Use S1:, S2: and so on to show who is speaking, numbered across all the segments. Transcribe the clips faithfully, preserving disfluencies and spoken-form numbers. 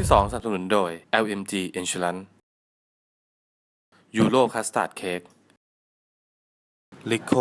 S1: ที่สองสนับสนุนโดย แอล เอ็ม จี Insurance ยูโรคัสตาร์ดเค้ก ลิโค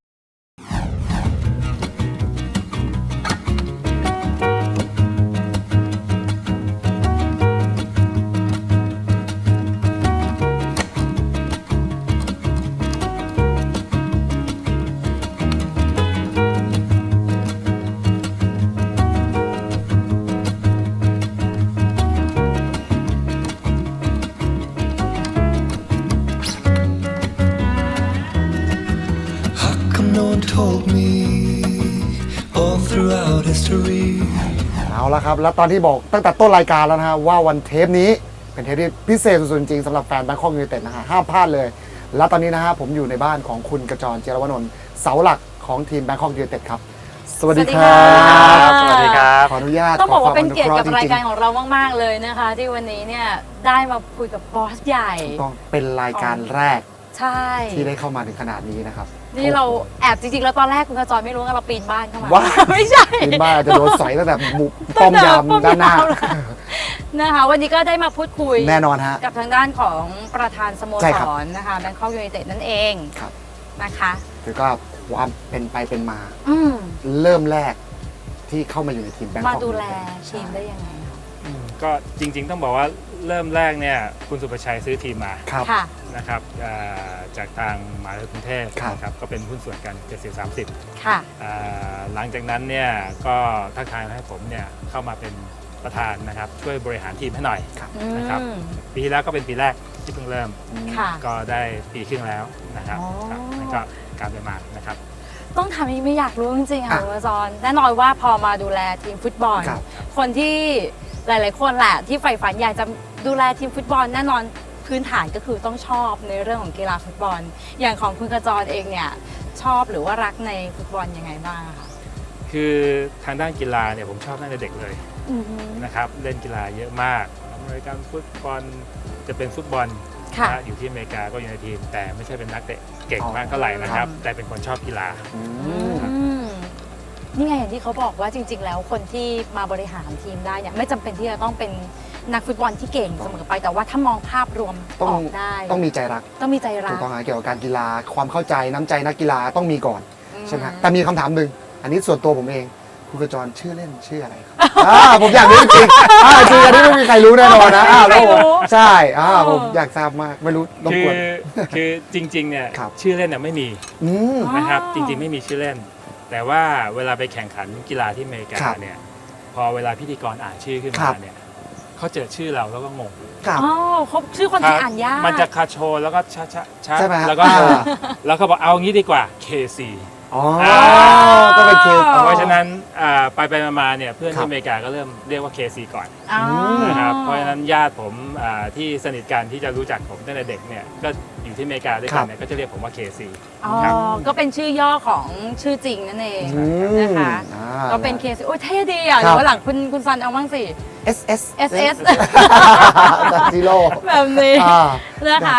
S2: เอาละครับแล้วตอนที่บอกตั้งแต่ต้นรายการแล้วนะฮะว่าวันเทปนี้เป็นเทปที่พิเศษสุดๆจริงสำหรับแฟนแบงคอกยูไนเต็ดนะฮะห้ามพลาดเลยแล้วตอนนี้นะฮะผมอยู่ในบ้านของคุณกระจร เจรวนนท์เสาหลักของทีมแบงคอกยูไนเต็ดครับสวัสดีครับ
S3: สวัสดีครับ
S2: ขออนุญาต
S4: ต้องบอกว่าเป็นเกียรติกับ
S2: ขอควมอนุเค
S4: รายการของเรามากๆเลยนะคะที่วันนี้เนี่ยได้มาคุยกับบอสใหญ่
S2: ถูกต้องเป็นรายการแรก
S4: ใช่
S2: ที่ได้เข้ามาถึงขนาดนี้นะครับ
S4: นี่เราแอบจริงๆแล้วตอนแรกคุณกระจรไม่รู้ว่าเราปีนบ้านเข้ามา
S2: ว้า
S4: ไม่ใช่
S2: ปีนบ้านอาจจะโดนสอยตั้งแต่บุกป้อมยามด้านหน้า
S4: นะคะวันนี้ก็ได้มาพูดคุย
S2: แน่นอนฮะ
S4: กับทางด้านของประธานสโม
S2: ใช่
S4: ส
S2: ครับ
S4: รนะคะแบงคอกยูไนเต็ดนั่นเอง
S2: ครับ
S4: นะคะ
S2: คือก็ความเป็นไปเป็นมา
S4: อืม
S2: เริ่มแรกที่เข้ามาอยู่ในทีมแบงคอก
S4: มาดูแลทีมได้ยังไงคะ
S3: ก็จริงๆต้องบอกว่าเริ่มแรกเนี่ยคุณสุภชัยซื้อทีมมา
S2: ครับ
S4: ค่ะ
S3: นะครับอ่าจากทางมหาวิทยาลัยกรุงเทพ
S2: ครับ
S3: นะครับก็เป็นหุ้นส่วนกันเจ็ดสิบ สามสิบ
S4: ค่ะ
S3: อ่าหลังจากนั้นเนี่ยก็ทักทายให้ผมเนี่ยเข้ามาเป็นประธานนะครับช่วยบริหารทีมให้หน่อย
S4: อื
S3: นะครับ
S4: ม
S3: ปีที่แล้วก็เป็นปีแรกที่เพิ่งเริ่ม
S4: ค่ะ
S3: ก็ได้ปีครึ่งแล้วนะครับ
S4: อ๋อ
S3: ครับนั่นก็การไปมานะครับ
S4: ต้องทำให้ไม่อยากรู้จริงๆค่ะ
S2: อ่ะ
S4: คุณกระจรแน่นอนว่าพอมาดูแลทีมฟุตบอล
S2: ครับ
S4: คนที่หลาย ๆ คนแหละที่ใฝ่ฝันอยากจะดูแลทีมฟุตบอลแน่นอนพื้นฐานก็คือต้องชอบในเรื่องของกีฬาฟุตบอล อย่างของคุณกระจรเองเนี่ยชอบหรือว่ารักในฟุตบอลยังไงบ้างอะคะ
S3: คือทางด้านกีฬาเนี่ยผมชอบตั้งแต่เด็กเลย
S4: อือฮึ
S3: นะครับเล่นกีฬาเยอะมากอเมริกันฟุตบอลจะเป็นฟุตบอล
S4: ค่ะ
S3: นะอยู่ที่อเมริกาก็อยู่ในทีม แต่ไม่ใช่เป็นนักเตะเก่งมากเท่าไหร่นะครับ แต่เป็นคนชอบกีฬา
S2: อื
S4: อื
S2: ม
S4: มนี่ไงอย่างที่เขาบอกว่าจริง ๆ แล้วคนที่มาบริหารทีมได้เนี่ยไม่จำเป็นที่จะต้องเป็นนักฟุตบอลที่เก่งเสมอไปแต่ว่าถ้ามองภาพรวม
S2: ต้อง
S4: ออกได้
S2: ต้องมีใจรัก
S4: ต้องมีใจรั
S2: ถู
S4: ก
S2: กต้องนะเกี่ยวกับการกีฬาความเข้าใจน้ำใจนักกีฬาต้องมีก่อน
S4: อืม
S2: ใช่ไหมฮะแต่มีคำถามหนึ่งอันนี้ส่วนตัวผมเองคุณกระจรชื่อเล่นชื่ออะไรครับ อ่าผมอยากรู้จริงๆอ่าจริงอันนี้ไม่มีใครรู้แน่นอนนะอ่าแล้วผมใช่อ่าผมอยากทราบมากไม่รู้รบ
S3: คื
S2: ก
S3: อ
S2: วน
S3: คือจริงๆเนี่ย
S2: ครับ
S3: ชื่อเล่นเนี่ยไม่มี
S2: อืม
S3: นะครับ
S4: อ๋อ
S3: จริงๆไม่มีชื่อเล่น แต่ว่าเวลาไปแข่งขันกีฬาที่อเมริกา
S2: ครับ
S3: เนี่ยพอเวลาพิธีกรอ่านชื่อขึ้น
S2: ครั
S3: มา
S2: บ
S3: เนี่ยเขาเจอชื่อเราแล้วก็งง
S2: ครับ
S4: อ๋อเขาชื่อคนที่อ่านยาก
S3: มันจะคาโชแล้วก็ชะชะชะ
S2: ใช่ไหมฮะ
S3: แล้วก็
S2: อ่า
S3: แล้วก็บอกเอางี้ดีกว่า เค ซี
S2: อ๋อ
S3: อ่า
S2: ก็เป็นเคส
S4: อ๋อ
S3: เพราะฉะนั้นอ่าไปไปมาๆเนี่ยเพื่อน
S2: ครับ
S3: ที่อเมริกาก็เริ่มเรียกว่า เค ซี ก่อน
S4: อ๋อ
S3: นะครับเพราะฉะนั้นญาติผมอ่าที่สนิทกันที่จะรู้จักผมตั้งแต่เด็กเนี่ยก็อยู่ที่อเมริกาด้วยกันเนี่ยก็จะเรียกผมว่า เค ซี
S4: อ๋อ
S3: ครับ
S4: ก็เป็นชื่อย่อของชื่อจริงนั่นเอง
S2: อืม
S4: นะคะ
S2: อ่า
S4: ก็เป็นเคสโอ้ยเท่ดีอ่ะ
S2: ครับ
S4: เดี๋ยววันหลังคุณคุณซันเอาบ้างสิ
S2: เอส เอส
S4: เอส เอส
S2: ซีโร่
S4: แบบนี้
S2: อ่า
S4: นะคะ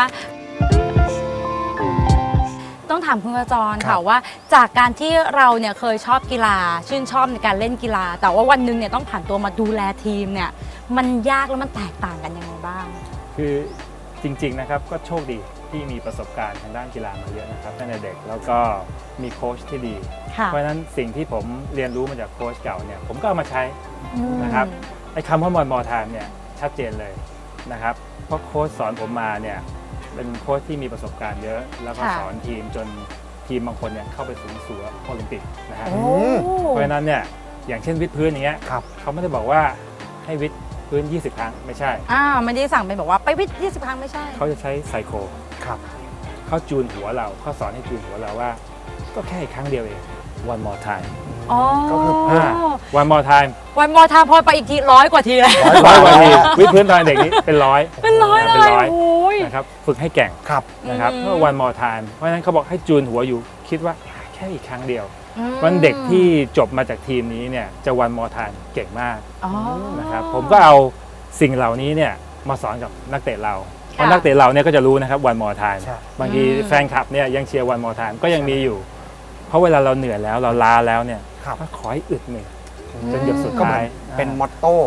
S4: ต้องถามคุณกระจร
S2: ครั
S4: ค่ะ
S2: บ
S4: ว่าจากการที่เราเนี่ยเคยชอบกีฬา ชื่นชอบในการเล่นกีฬา แต่ว่าวันหนึงเนี่ยต้องผ่านตัวมาดูแลทีมเนี่ยมันยากแล้วมันแตกต่างกันยังไงบ้าง
S3: คือจริงๆนะครับก็โชคดีที่มีประสบการณ์ทางด้านกีฬามาเยอะนะครับตั้งแต่เด็กแล้วก็มีโค้ชที่ดี
S4: ค่ะ
S3: เพราะฉะนั้นสิ่งที่ผมเรียนรู้มาจากโค้ชเก่าเนี่ยผมก็เอามาใช้
S4: อืม
S3: นะครับ ไอ้คำว่ามอนมอทามเนี่ยชัดเจนเลยนะครับเพราะโค้ชสอนผมมาเนี่ยเป็นโค้ชที่มีประสบการณ์เยอะ แล้วก็
S4: ค่ะ
S3: สอนทีมจนทีมบางคนเนี่ยเข้าไปสู่สู่โอลิมปิกนะฮะ
S4: โอ้
S3: เพราะฉะนั้นเนี่ยอย่างเช่นวิดพื้นอย่างเงี้ย
S2: ครับ
S3: เขาไม่ได้บอกว่าให้วิดพื้น ยี่สิบ ครั้งไม่ใช่
S4: อ่าไม่ได้สั่งเป็นบอกว่าไปวิทย์ยี่สิบครั้งไม่ใช่
S3: เขาจะใช้ไซโค
S2: ครับ
S3: เขาจูนหัวเราเขาสอนให้จูนหัวเราว่า ก็แค่อีกครั้งเดียวเอง one more time
S4: อ๋อ
S2: ก็คือ
S3: อ่า one more time
S4: วันมอทามพอไปอีกทีร้อยกว่าทีแล้ว
S3: ร้อยกว่าทีวิดพื้นตอนเด็กนี้เป็นร้อย
S4: เป็นร้อยเล
S3: เป็น
S4: ย
S3: ร้อย
S4: โอ้ย
S3: นะครับฝึกให้แก่ง
S2: ครับ
S3: นะครับ
S4: อืม
S3: เมื่อ one more time เพราะฉะนั้นเขาบอกให้จูนหัวอยู่คิดว่าแค่อีกครั้งเดียว
S4: อืม
S3: วันเด็กที่จบมาจากทีมนี้เนี่ยจะ one more time เก่งมาก
S4: อ๋อ
S3: นะครับผมก็เอาสิ่งเหล่านี้เนี่ยมาสอนกับนักเตะเราเพราะนักเตะเราเนี่ยก็จะรู้นะครับ one more time
S2: ใช่
S3: บางที
S4: อืม
S3: แฟนคลับเนี่ยยังเชียร์ one more time ก็ยังมีอยู่ เพราะเวลาเราเหนื่อยแล้วเราล้าแล้วเนี่ย
S2: ครับ
S3: ก็ขอให้อึดหนึ่งจนหยดสุด
S2: ก็เหมื
S3: ท้า
S2: อย นเป็นมอตโต้เป็น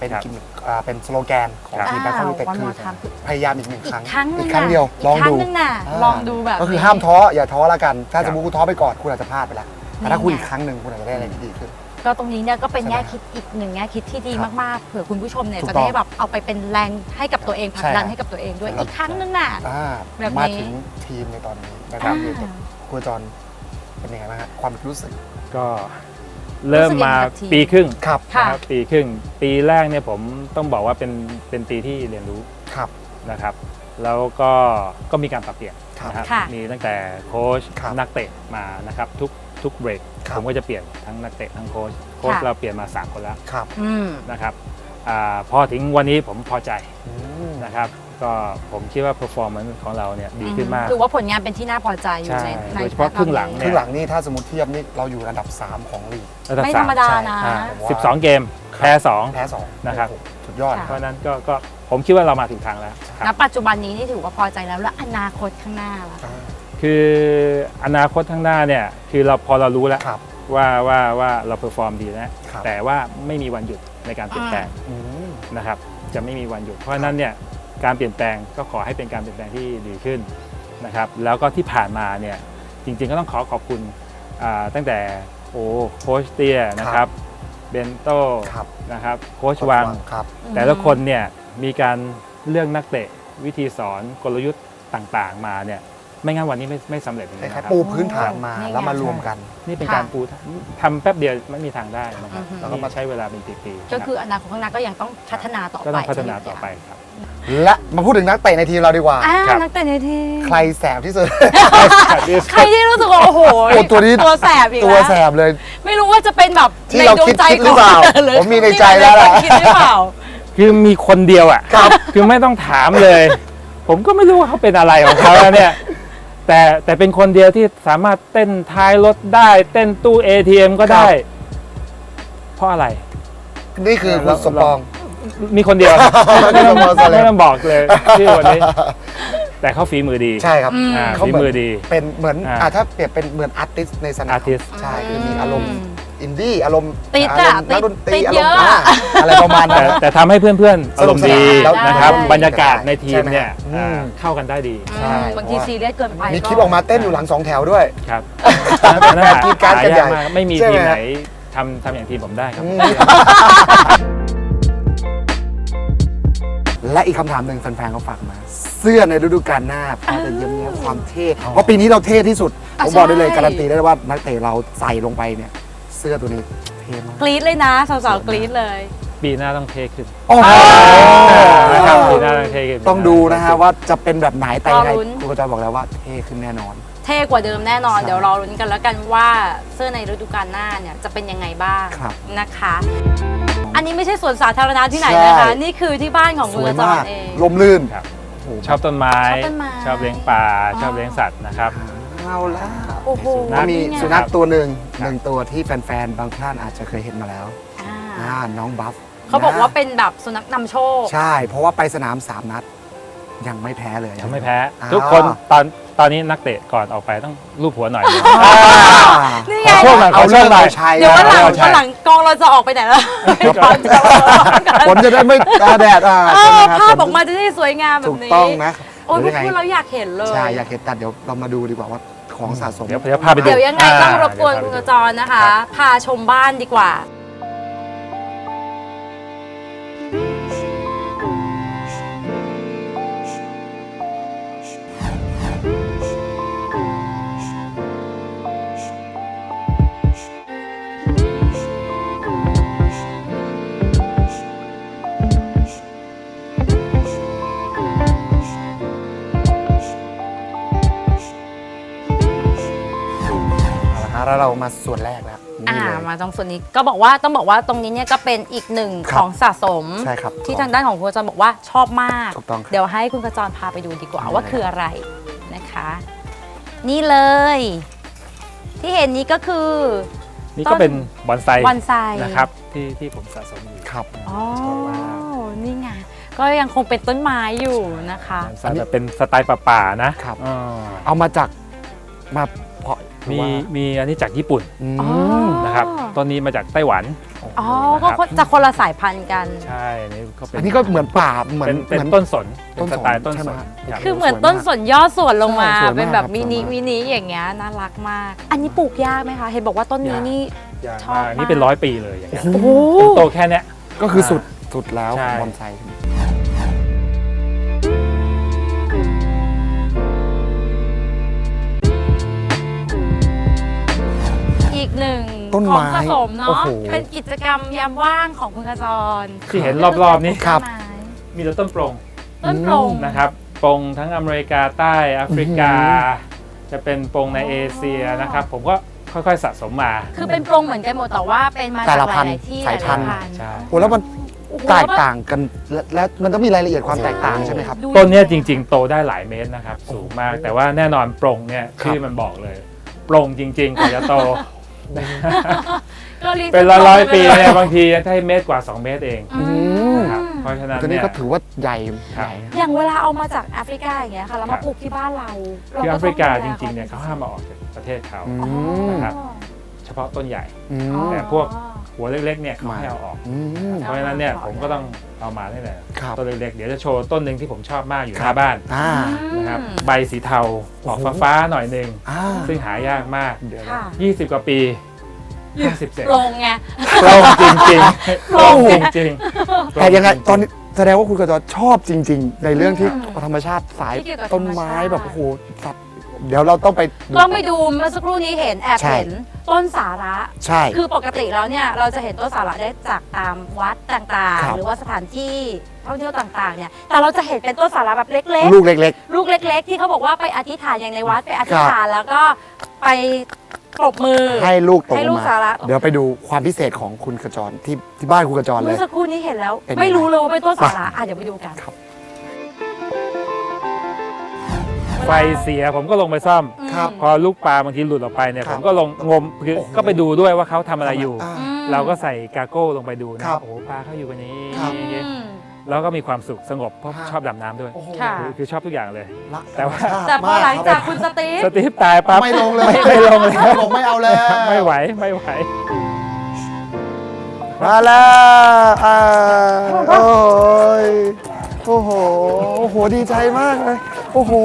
S2: เป็น
S3: ครับ
S2: กิมมิคอ่าเป็นสโลแกนของ
S3: ครับ
S2: ทีมแบงคอกยูไนเต็ด
S4: วัน
S2: คื
S4: ม
S2: อ
S4: อทามคือ
S2: พยายามอีกหนึ่งครั้ง
S4: อีกครั้งหนึ่ง
S2: อีกครั้งเดียวลอง
S4: กครั้
S2: ดู
S4: งหนึงน่ะ
S2: า
S4: ลองดูแบบ
S2: ก็คือ
S4: นี้
S2: ห้ามท้ออย่าท้อละกัน ถ้า
S3: ครับ
S2: สมมติคุณท้อไปก่อนคุณอาจจะพลาดไปแล้วแต่ถ้าคุณ
S4: นี่ไง
S2: อีกครั้งหนึ่งคุณอาจจะได้อะไรที่ดีขึ้น
S4: ก็ตรงนี้เนี่ยก็เป็น
S2: ใช่ไหม
S4: แง่คิดอีกหนึ่งแง่คิดที่ดี
S2: ครับ
S4: มากๆเผื่อคุณผู้ชมเนี่ย
S2: ถูก
S4: จะ
S2: ต้อง
S4: ได้แบบเอาไปเป็นแรงให้กับตัวเองผลักดัน
S2: ใช่ครับ
S4: ให้กับตัวเองด้วย
S2: ใช่ครับ
S4: อีกครั้งหนึงน่ะ
S2: อ่า
S4: แบบนี้
S2: มาถึงทีมในตอนนี้แบงคอกยูไนเต็ด
S4: อ่า
S2: ครูจรเป็นยังไงบ้างฮะความรู้สึก
S3: ก็เริ่มมา
S4: รู้สึกยังไงกับทีม
S3: ปีครึ่ง
S2: ครับ
S4: ค่ะ
S3: นะครับปีครึ่ง ปีแรกเนี่ยผมต้องบอกว่าเป็นเป็นปีที่เรียนรู้
S2: ครับ
S3: นะครับ แล้วก็ก็มีการปรับเปลี่ยน
S2: ครับ
S3: นะครับ
S4: ค่ะ
S3: มีตั้งแต่โค้ช
S2: ครับ
S3: นักเตะมานะครับทุกทุกเบรก
S2: ครับ
S3: ผมก็จะเปลี่ยนทั้งนักเตะทั้งโค้ชโค้ช
S4: ค่ะ
S3: เราเปลี่ยนมาสามคนแล้ว
S2: ครับ
S4: อืม
S3: นะครับอาพอถึงวันนี้ผมพอใจ
S2: อืม
S3: นะครับ ก็ผมคิดว่า performance ของเราเนี่ยดีขึ้นมาก
S4: ถือว่าผลงานเป็นที่น่าพอใจอยู่ใน
S3: ใช่
S4: ใน
S3: โดยเฉพาะครึ่งหลัง
S2: ค
S3: เนี่
S2: รึ่
S3: ย
S2: งหลังนี่ถ้าสมมติเทียบนี่เราอยู่อันดับสามของลีก
S3: ระดับ
S4: ไม่
S3: ส
S4: ธรรมดานะ
S3: อ่า
S2: ผมว่า
S3: สิบสองเกมแพ้สอง
S2: แพ้สอง
S3: นะครับ
S2: โอ้โหสุดยอด
S4: ค่ะ
S3: เพราะฉะนั้นก็ก็ผมคิดว่าเรามาถึงทางแล้วค
S4: ณ
S3: รับ
S4: ปัจจุบันนี้นี่ถือว่าพอใจแล้วแล้วอนาคตข้างหน้าล่ะ
S2: อ่า
S3: คืออนาคตข้างหน้าเนี่ยคือเราพอเรารู้แล้ว
S2: ครับ
S3: ว่าว่าว่าเราเพอร์ฟอร์มดีแล้ว
S2: ครับ
S3: แต่ว่าไม่มีวันหยุดในการเปลี่ยนแปลง
S2: อืม
S3: นะครับจะไม่มีวันหยุด เพราะฉะนั้นเนี่ยการเปลี่ยนแปลงก็ขอให้เป็นการเปลี่ยนแปลงที่ดีขึ้นนะครับแล้วก็ที่ผ่านมาเนี่ยจริงๆก็ต้องขอขอบคุณอ่าตั้งแต่โอ้โค้ชเตียนะครับเบนโต้
S2: ครับ
S3: นะครับโค้ชวัง
S2: ครับ
S3: แต่ละคนเนี่ยมีการเลือกนักเตะวิธีสอนกลยุทธ์ต่างๆมาเนี่ยไม่งั้นวันนี้ไม่ไม่สำเร็จอย่าง
S2: ค
S3: นี้
S2: ล้าย
S3: นะครั
S2: ๆ
S3: บ
S2: ปูพื้นฐานมา
S4: นี่ไง
S2: แล้วมารวมกัน
S3: นี่เป็น
S4: ค่ะ
S3: การปูทำแป๊บเดียวไม่มีทางได้นะครับ
S4: อือฮึ
S3: แล้วก็มาใช้เวลาเป็นปีๆ
S4: ก็คืออนาคตข้างหน้าก็ยังต้องพัฒนาต่อไป
S3: ก็ต้องพัฒนาต่อไปครับ
S2: และมาพูดถึงนักเตะในทีมเราดีกว่า
S4: อ่า
S3: ครับ
S4: นักเตะในทีม
S2: ใครแสบที่สุด
S4: ใครที่รู้สึกว่าโอ้โห
S2: โอ้ตัวนี้
S4: ตัวแสบอีก
S2: ตัว
S4: แล้ว
S2: แสบเลย
S4: ไม่รู้ว่าจะเป็นแบบ
S2: ที่
S4: ใน
S2: เรา
S4: ดวงใจ
S2: คิดหรือเปล่า
S4: ขง
S2: ผมมีในใจแล้วล่ะ
S4: คิดหรือเปล่า
S3: คือมีคนเดียวอ่ะ
S2: ครับ
S3: คือไม่ต้องถามเลย ผมก็ไม่รู้ว่าเขาเป็นอะไรของเขาแล้วเนี่ย แต่แต่เป็นคนเดียวที่สามารถเต้นท้ายรถได้ เต้นตู้ เอ ที เอ็ม ก็ได้ เพราะอะไร
S2: นี่คือคุณสมปอง
S3: มีคนเดียวครับไม่ต้อง
S2: ไม่ต้องบอกเลย
S3: ไม่ต้องบอกเลยชื่อวันนี้ แต่เขาฝีมือดี
S2: ใช่ครับ
S4: อืม
S3: อ่า
S2: เขา
S3: ฝี
S2: เหมือน
S3: มือดี
S2: เป็นเหมือน
S3: อ่า
S2: อ่าถ้าเปรียบเป็นเหมือนอาร์ติสในสนาม
S3: artist
S2: ใช่คือมีอารมณ์อินดี้อารมณ์
S4: ติด
S2: อา
S4: อะ
S2: รมณ์นักดนตรี
S4: ติด
S2: อาร
S4: เย
S2: ม
S4: อะ
S2: ณ์อ่าอะไรประมาณนั้
S3: แต่
S2: น
S3: แต่ทำให้เพื่อนๆ อารมณ์ดี
S2: สนุกสนานแล้ว
S3: นะครับ
S2: ได้
S3: บรรยากาศในทีมเนี่ย
S2: ใช่ไหม
S3: อ่า
S2: อืม
S3: เข้ากันได้ดี
S2: ใช่
S4: อืมบางทีซีเรียสเกินไป
S2: มีคลิปออกมาเต้นอยู่หลังสองแถวด้วย
S3: ครับ
S2: แฟนกรีดกราร์ดกันใหญ่
S3: หายากมากไม่มี
S2: ใช่ไหม
S3: ทีมไหนทำทำอย่างทีมผมได้ครับ
S2: อืมและอีกคำถามหนึ่งแฟนๆเขาฝากมา เสื้อในฤดูกาลหน้าพอจะเยี่ยมเนี้ยความเท่เพราะปีนี้เราเท่ที่สุด ผมบอกได้เลยการันตีได้ว่านักเตะเราใส่ลงไปเนี่ย เสื้อตัวนี้เท่มาก
S4: กรี๊ดเลยนะสาวๆกรี๊ดเลย
S3: ปีหน้าต้องเทขึ้น
S2: โอ้โห
S3: นะครับปีหน้าต้องเทขึ้น
S2: ต้องดูนะฮะว่าจะเป็นแบบไหนแต่ยังไง
S4: รอลุ้น
S2: ครูกระจายบอกแล้วว่าเท่ขึ้นแน่นอน
S4: เท่กว่าเดิมแน่นอน
S2: ใช่
S4: เดี๋ยวรอรุ้นกันแล้วกันว่าเสื้อในฤดูกาลหน้าเนี่ยจะเป็นยังไงบ้าง
S2: ครับ
S4: นะคะ อันนี้ไม่ใช่สวนสาธารณะที่ไหนนะคะ
S2: ใช่
S4: นี่คือที่บ้านของ
S2: ส
S4: คุณ
S2: วย
S4: จอ
S2: มาน ก
S4: เอง
S2: ลมลื่น
S3: ครับ
S2: โอ้โห
S3: ชอบต้นไม้
S4: ชอบต้นไม้
S3: ชอบเลี้ยงปลา
S4: อ๋อ
S3: ชอบเลี้ยงสัตว์นะครับ
S2: เอาละ
S4: โอ้โห
S3: สุนัข
S2: มี
S4: นี่ไง
S2: สุนัขตัวหนึ่ง
S3: ครับ
S2: หนึ่งตัวที่แฟนๆ บางท่านอาจจะเคยเห็นมาแล้ว
S4: อ่า
S2: อ่าน้องบัฟ
S4: เขาบอกว่า
S2: ะ
S4: เป็นแบบสุนัขนำโชค
S2: ใช่ เพราะว่าไปสนามสามนัด ยังไม่แพ้เลย
S3: ยังไม่แพ้
S2: อ้าว
S3: ทุกคนตอนตอนนี้นักเตะก่อนออกไปต้องลูบหัวหน่อย
S2: อ่า
S4: นี่
S3: ข
S4: ไง
S3: อโทษหน่อยข
S2: เอา
S3: อโท
S2: เรื่อ
S3: ษ
S2: ง
S3: หน่
S2: เรา
S3: อย
S2: ใช้
S4: เดี๋ยววันหลัง
S3: ใช่
S4: วันหลังกองเราจะออกไปไหนแล้ว
S2: ผลจะได้ไม่ตาแดดอ่า
S4: เอ
S2: ใช่ไหม
S4: อ
S2: ครับ
S4: ภาพออกมาจะได้สวยงามแบ
S2: ถู
S4: บ
S2: ก
S4: นี้
S2: ต้องนะ
S4: โอ้ย
S2: หรือยังไง
S4: พูดเราอยากเห็นเลย
S2: ใช่ อยากเห็นแต่เดี๋ยวเรามาดูดีกว่าว่าของสะสม
S3: เดี๋ยวเดี๋ยวพาไปดู
S4: เดี๋ยวยังไงต้องรบกวน
S3: อ่า
S4: คุณ
S3: เดี๋
S4: ก
S3: ยว
S4: ระจรนะคะ
S3: ครับ
S4: พาชมบ้านดีกว่า
S2: เอาละฮะแล้วเรามาส่วนแรกแล้ว
S4: อ่า
S2: นี่เลย
S4: มาตรงส่วนนี้ก็บอกว่าต้องบอกว่าตรงนี้เนี่ยก็เป็นอีกหนึ่ง
S2: ค
S4: ข
S2: รับ
S4: องสะสม
S2: ใช่ครับ
S4: ที่ทางด้านของคุณกระจรบอกว่าชอบมาก
S2: ถูกต้องครับ
S4: เดี๋ยวให้คุณกระจรพาไปดูดีกว่า
S2: ได้
S4: ว่าคืออะไรนะคะ นี่เลย ที่เห็นนี้ก็คือ
S3: นี่ก็เป็นบอนไซ
S4: บอนไซ
S3: นะครับที่ที่ผมสะสมอยู่
S2: ครับ
S4: อ๋อ
S3: ชอบมาก
S4: นี่ไงก็ยังคงเป็นต้นไม้อยู่นะคะ
S3: บอนไซแบบเป็นสไตล์ป่าๆนะครับ อ๋อ
S2: เอามาจากมาเพาะหรือ
S3: มี
S2: ว่า
S3: มีอันนี้จากญี่ปุ่น
S2: อื
S4: อ๋อ
S2: ม
S3: นะครับต้นนี้มาจากไต้หวัน
S4: อ๋อ
S3: นะครับ
S4: ก็จะคนละสายพันธุ์กัน
S3: ใช่อันนี้ก็เป็น
S2: อันนี้ก็เหมือนป่าเหมือน
S3: เป็นเป็น
S2: เหมือน
S3: ต้นสน
S2: ต้
S3: เป็น
S2: นสน
S3: สไตล์ต้น
S2: ใช่
S3: ส
S2: ไหม
S3: น
S2: ครับ
S3: ครับ
S4: คือเหมือน
S2: สวยมาก
S4: ต้นสนย่อส่วนลงมา
S2: ใช่สวยมาก
S4: เป็นแบบ
S2: ครับ
S4: มินิ
S2: สวยมาก
S4: มินิอย่างเงี้ยน่ารักมาก อันนี้ปลูกยากไหมคะ เห็นบอกว่าต้นนี้
S3: ยาก
S4: นี่
S3: ยาก
S4: ชอบ
S3: มาก
S4: มาก
S3: นี่เป็นร้อยปีเลยอย่างเงี้ย
S2: โอ้โห
S3: ต้นโตแค่เนี้ย
S2: ก็คือสุดสุดแล้ว
S3: ใช่
S2: ของบอนไซ
S4: อีกหนึ่ง
S2: ต้น
S4: ของ
S2: ไม้
S4: สะสม
S2: โอ้
S4: เนาะ
S2: โห
S4: เป็นกิจกรรมยามว่างของคุณขจร
S3: ที่เห็นรอบๆนี้
S2: ครับ
S4: ต้นไม้
S3: มีแต่ต้นโปร่ง
S4: ต้นโปร่ง
S3: นะครับโปร่งทั้งอเมริกาใต้แอฟริกา
S2: อื้อหื
S3: จะเป็นโปร่งในเอเชียนะครับผมก็ค่อยๆสะสมมา
S4: คือเป็นโปร่งเหมือนกันหมดแต่ว่าเป็นมา
S2: แต่
S4: จาก
S2: ละ
S4: ห
S2: พันธุ์
S4: ลายๆที่
S2: สายพันธุ์
S4: หลายๆ
S3: ใช่
S2: โอ้แล้วมัน
S4: โอ้โห
S2: แตกต่างกันและและมันต้องมีรายละเอียดความแตกต่างใช่ไหมครับ
S4: ดู
S3: ต้นเนี้ยจริงๆ โตได้หลายเมตรนะครับสูงมาก แต่ว่าแน่นอนโปร่งเนี่ย
S2: ครับ
S3: ชื่อมันบอกเลยโปร่งจริงๆกว่าจะโต
S4: ก็รียก
S3: เป็นร้อยๆ
S4: โป
S3: ปี
S4: งไปล
S3: เนี่ยบางทีได้เมตรกว่า สอง เมตรเอง
S4: อืม
S3: นะครับเพราะฉะนั้น
S2: ตัวนี้
S3: เนี่ย
S2: ก็ถือว่าใหญ่
S3: ครับ
S2: ใหญ่นะ
S4: อย่างเวลาเอามาจากแอฟริกาอย่างเงี้ยค่ะแล้ว
S3: ครั
S4: มา
S3: บ
S4: ปลูกที่บ้านเรา
S3: คือแอฟริกาจ
S4: เต้
S3: ริ
S4: อง
S3: ๆเนี่ย
S4: ดู
S3: เขาห้ามมาออกจากประเทศเขา
S2: อืม
S3: นะครับ เฉพาะต้นใหญ่
S2: อืม
S4: อ๋อ
S3: แต่พวก หัวเล็กๆเนี่ยเขาให้เอาออก
S2: อืม
S3: เพราะฉะนั้นเนี่ยผมก็ต้องเอามานี่แหละ
S2: ครับ
S3: ต้นเล็กๆเดี๋ยวจะโชว์ต้นหนึ่งที่ผมชอบมากอยู่ห
S2: ครั
S3: น้า
S2: บ
S3: บ้าน
S2: อ่า
S3: นะครับ
S4: อืม
S3: ใบสีเทาออก
S2: โอ้โห
S3: ฟ้าๆหน่อยหนึ่ง
S2: อ่า
S3: ซึ่งหายากมาก
S2: เดี๋ยวนะ
S4: ค่ะ
S3: ยี่สิบกว่าปีห้าสิบเซน
S4: โปร่งไง
S3: โปร่งจริงๆโปร่งจริงๆ
S2: แต่ยังไงตอนนี้แสดงว่าคุณกระจรชอบจริง ๆ ในเรื่องที่ธรรมชาติสาย
S4: ที่เกี่ยวกับ
S2: ต้นไม้
S4: ธรรมชาติ
S2: แบบโอ้โหสัตว์เดี๋ยวเราต้องไปดู
S4: ต้องไปดูเมื่อสักครู่นี้เห็นแอบ
S2: ใช่
S4: เห็นต้นสาระ
S2: ใช่
S4: คือปกติแล้วเนี่ยเราจะเห็นต้นสาระได้จากตามวัดต่าง
S2: ครับ
S4: ๆ หรือว่าสถานที่ท่องเที่ยวต่างๆเนี่ยแต่เราจะเห็นเป็นต้นสาระแบบเล็ก
S2: ลูกเล็ก
S4: ๆ ลูกเล็ก ๆ ที่เขาบอกว่าไปอธิษฐานอย่างในวัดไปอธิษฐานแล้วก็ไปปรบมือ
S2: ๆ ให้ลูกตก
S4: ให้
S2: ล
S4: ลู
S2: ง
S4: ก
S2: มา
S4: สาระ
S2: เดี๋ยวไปดูความพิเศษของคุณกระจรที่ที่บ้านคุณกระจรเล
S4: เมื่อย สักครู่นี้เห็นแล้ว
S2: เป็นยังไง
S4: ไม่รู้เลยว่าเป็นต้นสาระอ่ะเดี๋ยวไปดูกัน
S2: ครับ
S3: ไฟเสียผมก็ลงไปซ่อม
S2: ครับ
S3: พอลูกปลาบางทีหลุดออกไปเนี่ย
S2: ครั
S3: ผ
S2: บ
S3: มก็ลงงมคือ
S2: โอ้โห
S3: ก็ไปดูด้วยว่าเขาทำอะไรอยู่
S2: อ่า
S4: อืม
S3: เราก็ใส่กาโก้ลงไปดูนะครับ โอ้โหปลาเขาอยู่กันนี้
S2: ครับ
S4: อืม
S3: แล้วก็มีความสุขสงบเพราะ
S2: ครับ
S3: ชอบดำน้ำด้วย
S2: โอ้โห
S4: ค่ะ
S3: คือคือชอบทุกอย่างเลย
S2: รัก
S3: แต่ว่า
S2: ธรรมชติ
S4: แต่พอหลัง
S2: ม
S4: จาก
S2: รับ
S4: คุณสตีฟ
S3: สตีฟตายปั๊บ
S2: ไม่ลงเลย
S3: ไม่ไม่ลงเลย
S2: ผมไม่เอาแล้ว
S3: ไม่ไหวไม่ไหว
S2: มาแล้วอ่าโอ้ยโอ้โหโอ้โหดีใจมากเลยโอ้โห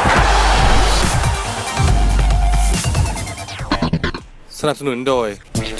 S1: สนับสนุนโดย